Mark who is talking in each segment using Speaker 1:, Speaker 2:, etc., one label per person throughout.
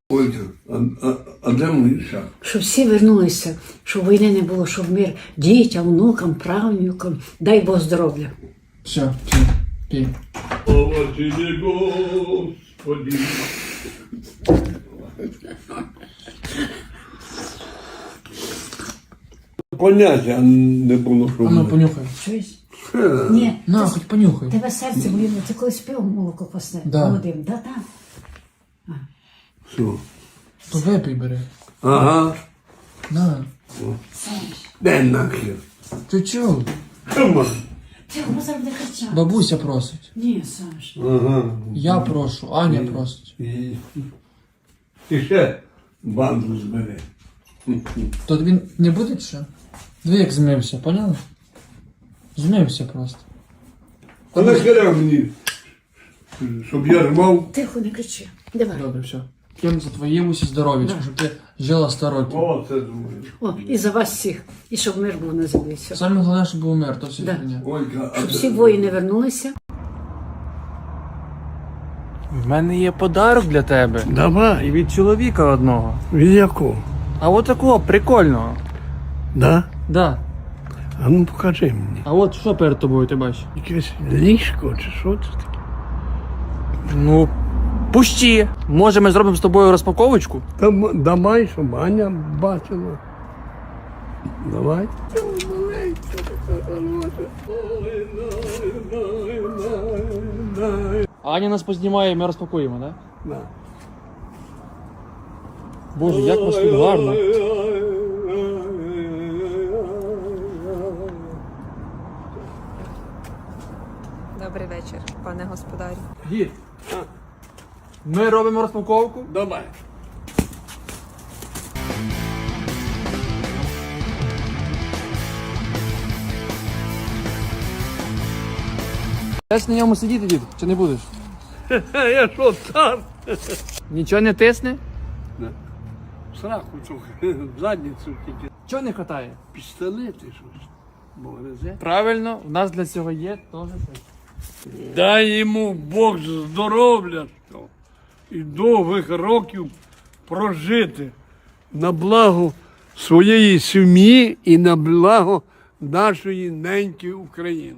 Speaker 1: Ольга, а де мій шаг?
Speaker 2: Щоб всі вернулися, щоб війни не було, щоб мир дітям, внукам, правнукам. Дай Бог здоров'я.
Speaker 3: Все, пей.
Speaker 1: Слава Тобі, Господи. Поняття не було, що
Speaker 3: А ну
Speaker 1: буде.
Speaker 3: понюхай.
Speaker 2: Чуєш? Ні,
Speaker 3: На,
Speaker 2: ти-
Speaker 3: хоч понюхай.
Speaker 2: тебе серце боліло, ти колись пив молоко пасне,
Speaker 3: Да.
Speaker 2: молодим, да?
Speaker 1: Все.
Speaker 3: То випий бери.
Speaker 1: Ага.
Speaker 3: На.
Speaker 1: Де нахер?
Speaker 3: Ти чого?
Speaker 1: Чому?
Speaker 2: Ти його зараз буде кричати.
Speaker 3: Бабуся просить.
Speaker 2: Ні, Саш.
Speaker 1: Ага.
Speaker 3: Я прошу, Аня просить.
Speaker 1: І ще банду збери.
Speaker 3: То він не буде ще? Диви, як змився, поняла? Змився просто.
Speaker 1: А нахера мені, щоб я рвав?
Speaker 2: Тихо, не кричи. Давай.
Speaker 3: Добре, все. П'ємо за твоє усі здоров'ячко, щоб ти жила 100 років.
Speaker 1: О, це думаю.
Speaker 2: О, і за вас всіх. І щоб мир був на землі. Все.
Speaker 3: Саме головне, щоб був мир, то все
Speaker 2: Да.
Speaker 3: фігня.
Speaker 1: Ольга,
Speaker 2: Щоб всі воїни вернулися.
Speaker 4: В мене є подарок для тебе. І
Speaker 1: Давай.
Speaker 4: від чоловіка одного.
Speaker 1: Від якого?
Speaker 4: А от такого прикольного.
Speaker 1: Да?
Speaker 4: Да.
Speaker 1: А ну покажи мені.
Speaker 4: А от що перед тобою ти бачиш?
Speaker 1: Якесь ліжко чи що це таке?
Speaker 4: Ну, пущі. Може, ми зробимо з тобою розпаковочку?
Speaker 1: Давай, щоб Аня бачила. Давай.
Speaker 4: Аня нас познімає, ми розпакуємо, так?
Speaker 1: Да.
Speaker 4: Боже, як у вас тут гарно.
Speaker 5: Добрий вечір, пане господарю.
Speaker 4: Дід, ми робимо розпаковку.
Speaker 1: Давай.
Speaker 4: Будеш на ньому сидіти, дід, чи не будеш?
Speaker 1: Я що, цар?
Speaker 4: Нічого не тисне?
Speaker 1: Сраку трохи, в задницю тільки.
Speaker 4: Чого не хватає?
Speaker 1: Пістолети щось. Бо гризе.
Speaker 4: Правильно, у нас для цього є теж це.
Speaker 1: Дай йому Бог здоров'я і довгих років прожити на благо своєї сім'ї і на благо нашої неньки України.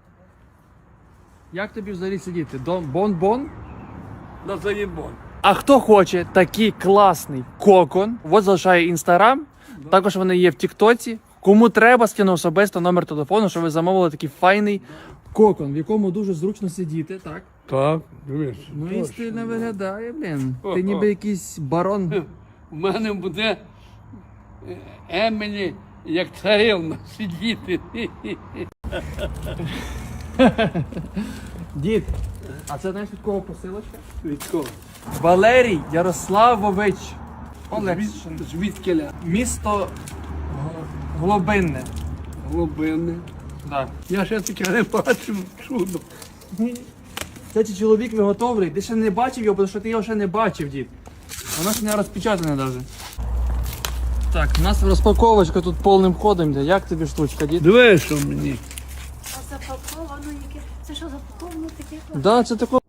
Speaker 4: Як тобі взагалі сидіти? Бон-бон?
Speaker 1: На заєбон.
Speaker 4: А хто хоче такий класний кокон, от залишає інстаграм, також вони є в Тіктоці. Кому треба, скину особисто номер телефону, щоб ви замовили такий файний кокон, в якому дуже зручно сидіти, так?
Speaker 1: Так, дивись.
Speaker 4: Ну і стильно виглядає, блін. Ти ніби якийсь барон.
Speaker 1: У мене буде Емілі як царевна сидіти.
Speaker 4: Дід, а це знаєш від кого посилочка?
Speaker 1: Від кого?
Speaker 4: Валерій Ярославович Олексишин.
Speaker 1: Звідкиля?
Speaker 4: Місто Глобинне.
Speaker 1: Глибини.
Speaker 4: Так.
Speaker 1: Я ще таке не бачив, чудо.
Speaker 4: Цей чоловік виготовлений, ти ще не бачив його, тому що ти його ще не бачив, дід. Воно ще не розпечатане навіть. Так, у нас розпаковочка тут повним ходом йде. Як тобі штучка, дід?
Speaker 1: Диви, що мені.
Speaker 2: А запаковано яке? Це що запаковано таке?
Speaker 4: Да, це тако